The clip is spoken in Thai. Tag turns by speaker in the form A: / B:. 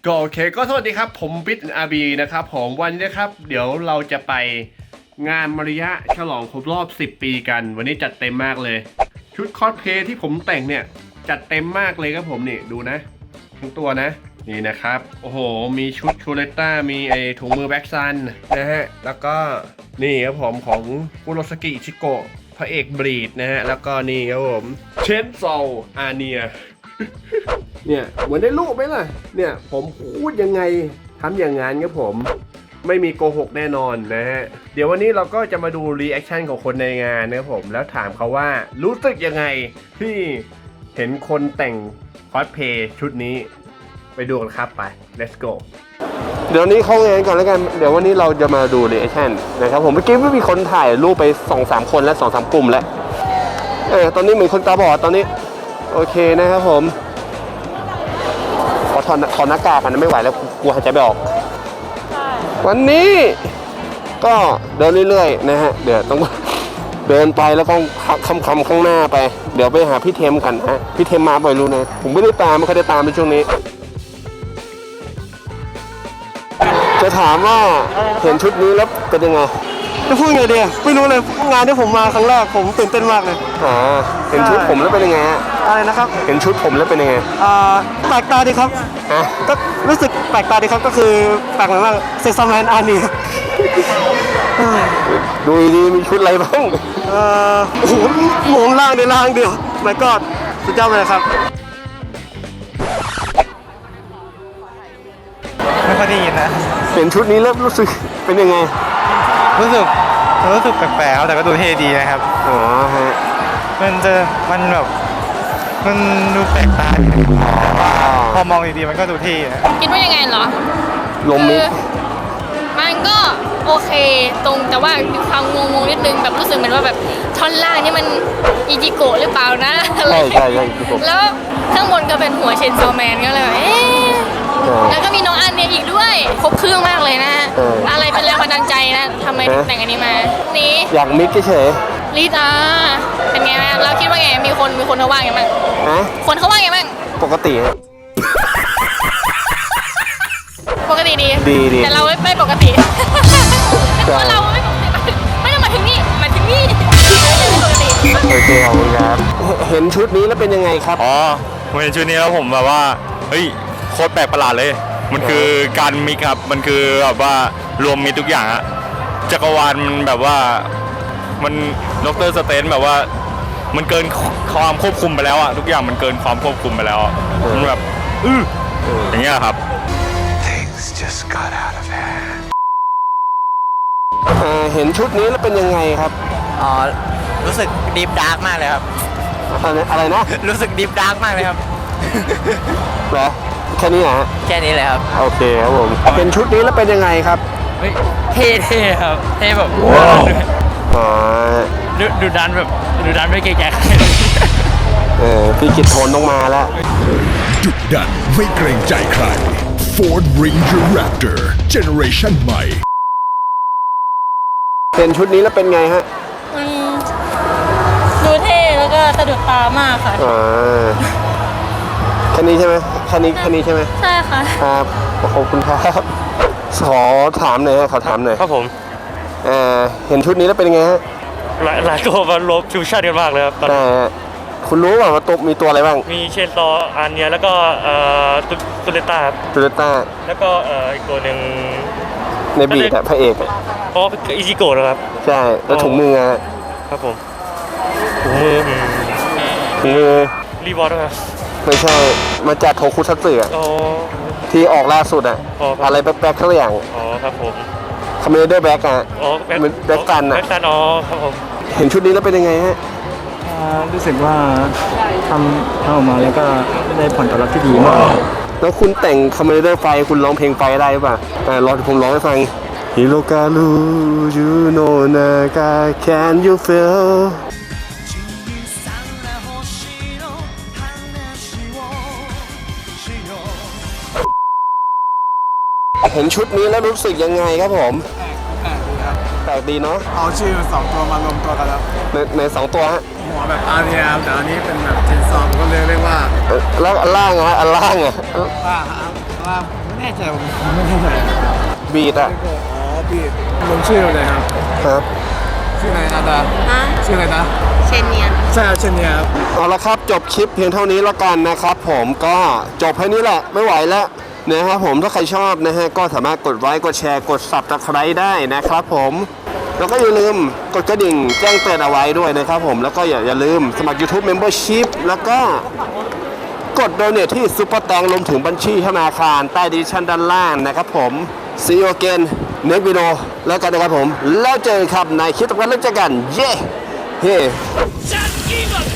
A: ก็โอเคก็สวัสดีครับผมบิ๊กอาร์บีนะครับผมวันนี้นะครับเดี๋ยวเราจะไปงานมารยะฉลองครบรอบ10ปีกันวันนี้จัดเต็มมากเลยชุดคอสเพลย์ที่ผมแต่งเนี่ยจัดเต็มมากเลยครับผมนี่ดูนะทั้งตัวนะนี่นะครับโอ้โหมีชุดชูเลต้ามีไอถุงมือแบ็กซันนะฮะแล้วก็นี่ครับผมของคุโรสกิอิชิโกะพระเอกบรีดนะฮะแล้วก็นี่ครับผมเชนโซอาเนียเนี่ยเหมือนได้รูปไหมล่ะเนี่ยผมพูดยังไงทำอย่างงั้นครับผมไม่มีโกหกแน่นอนนะฮะเดี๋ยววันนี้เราก็จะมาดูรีแอคชั่นของคนในงานนะครับผมแล้วถามเขาว่ารู้สึกยังไงที่เห็นคนแต่งคอสเพลย์ชุดนี้ไปดูกันครับไป let's go เดี๋ยวนี้เข้างานก่อนแล้วกันเดี๋ยววันนี้เราจะมาดูรีแอคชั่นนะครับผมเมื่อกี้ไม่มีคนถ่ายรูปไป 2-3 คนแล้ว 2-3 กลุ่มแล้วตอนนี้เหมือนคนตาบอดตอนนี้โอเคนะครับผมขอถอดหน้ากากกันไม่ไหวแล้วกลัวหายใจไม่ออกวันนี้ก็เดินเรื่อยๆนะฮะเดี๋ยวต้องเดินไปแล้วก็คำข้างหน้าไปเดี๋ยวไปหาพี่เทมกันฮะพี่เทมมาบ่อยรู้นะผมไม่ได้ตามไม่เคยได้ตามในช่วงนี้จะถามว่าเห็นชุดนี้แล้วเป็นยังไงจะพูดไงดีไม่รู้เลยงานที่ผมมาครั้งแรกผมตื่นเต้นมากเลยเห็นชุดผมแล้วเป็นยังไงฮะอะไรนะครับเห็นชุดผมแล้วเป็นยังไงแปลกตาดีครับก็รู้สึกแปลกตาดีครับก็คือแปลกเหมือนว่าเซ็กซัมแลนด์อาร์นี่ดูดีมีชุดอะไรบ้างโอ้โหหมงล่างในล่างเดียวไม่ก็สุดยอดเลยครับ
B: ไม่ค่อยได้ยินนะ
A: เห็นชุดนี้แล้วรู้สึกเป็นยังไง
B: รู้สึกแปลกๆครับแต่ก็ดูเท่ดีนะครับ
A: ฮะ
B: มันแบบมันดูแปลกตาพอมองดีๆมันก็ดูเท่
C: คิดว่ายังไงเหรอ
A: ลมมิ
C: มันก็โอเคตรงแต่ว่ามีความงงนิดนึงแบบรู้สึกเหมือนว่าแบบท่อนล่างนี่มันอิจิโกะหรือเปล่านะ
A: ใช่
C: แล้วข้างบนก็เป็นหัวเชนโซแมนก็เลยแล้วก็มีน้องอันเนี่ยอีกด้วยครบเครื่องมากเลยนะอะไรเป็นแรงบันดาลใจนะทำไมถึงแต่งอันนี้มานี่
A: อยากมิกเฉย
C: ลิตาเป็นไงบ้างเราคิดว่าไงมีคนเขาว่าไงบ้างคนเขาว่าไงบ้าง
A: ปกติดี
C: แต่เราไม่ปกติเพราะเราไม่ปกติไม่ต้องมาถึงนี่ไม่ปกติ
A: โอเคขอบคุณครับเห็นชุดนี้แล้วเป็นยังไงครับ
B: ผมเห็นชุดนี้แล้วผมแบบว่าเฮ้ยโคตรแปลกประหลาดเลยมันคือการมิกครับมันคือแบบว่ารวมมิทุกอย่างอะจักรวาลมันแบบว่ามันดร.สเตนแบบว่ามันเกินความควบคุมไปแล้วอะทุกอย่างมันเกินความควบคุมไปแล้วมันแบบอย่างเงี้ยครับ
A: just got out of hand เห็นชุดนี้แล้วเป็นยังไงครับ
D: รู้สึกดีฟดาร์กมากเลยครับ
A: อะไรนะ
D: รู้สึกดีฟดาร์กมากเลยครับ
A: เหรอแค่นี้นะ
D: แค่นี้เลยครับ
A: โอเคครับผมเห็นชุดนี้แล้วเป็นยังไงครับ
D: เท่ครับเท่แบบดูดันไม่เกรงใจใคร
A: พี่กิตโทนต้องมาแล้ว
E: ดุดันไม่เกรงใจใครFord Ranger Raptor Generation ใหม่
A: เห็นชุดนี้แล้วเป็นไงฮะ
C: ดูเท่แล้วก็สะดุดตามากค่ะ
A: แค่นี้ใช่ไหมแค่นี้ใช่ไหม
C: ใช่ค่ะ
A: ครับขอบคุณครับขอถามหน่อยขอถามหน่อย
B: ครับผม
A: เห็นชุดนี้แล้วเป็นไงฮะ
B: หลายตัวมาลบฟิวชั่นกันมากเลยครับ
A: คุณรู้ว่าตัวมีตัวอะไรบ้าง
B: มีเชนซออันเนี้ยแล้วก็ตุเลต้าแล้วก็อีกตัวหนึ่ง
A: ในบีดพระเอก
B: อิจิโกะนะครับ
A: ใช่แล้วถุงมือ
B: ครับผมถุงมือรีบอร์ดครับ
A: ไม่ใช่มาจากโทคุซัตสึที่ออกล่าสุดอะไรแบ็คทั้งอย่าง
B: ครับผม
A: คอมเมดี้แบ็คแบ็คกัน
B: ครับผม
A: เห็นชุดนี้แล้วเป็นยังไงฮะ
F: รู้สึกว่าทำออกมาแล้วก็ได้ผลตอบรับที่ดีมาก
A: แล้วคุณแต่งคอมเมดี้ไฟคุณร้องเพลงไฟได้ป่ะรอผมร้องให้ฟังฮิโรกาลูยูโนนากา Can you feel เห็นชุดนี้แล้วรู้สึกยังไงครับผมแปลกดีเนาะ
F: เอาชื่อ2ตัวมารวมตัวกันแล้ว
A: ใน2ตัวฮะ
F: หัวแบบอาเรียแต่อันนี้เป็นแบบเชนซอมก็เลยเรียกว่า
A: แล้วอันล่างอะอันล่างอะ
F: ว่าไม่แน่ใจผมไม่แน่ใจ
A: บีดอะ
F: อ๋อบีดลงชื่อเลยครับ
A: ครับ
F: ชื่ออะไรนะดาชื่ออะไรนะ
C: เชนเนียน
F: ใช่ครับเชนเนียครับ
A: เอาละครับจบคลิปเพียงเท่านี้แล้วกันนะครับผมก็จบแค่นี้แหละไม่ไหวแล้วนะครับผมถ้าใครชอบนะฮะก็สามารถกดไลค์กดแชร์กด Subscribe ได้นะครับผมแล้วก็อย่าลืมกดกระดิ่งแจ้งเตือนเอาไว้ด้วยนะครับผมแล้วก็อย่าลืมสมัคร YouTube Membership แล้วก็กดโดเนทที่ซุปเปอร์แตงรวมถึงบัญชีธนาคารใต้ดีชั่นด้านล่างนะครับผม See you again next video แล้วกันนะครับผมแล้วเจอกันครับในคลิปต่อไปแล้วเจอกันเย้ Hey.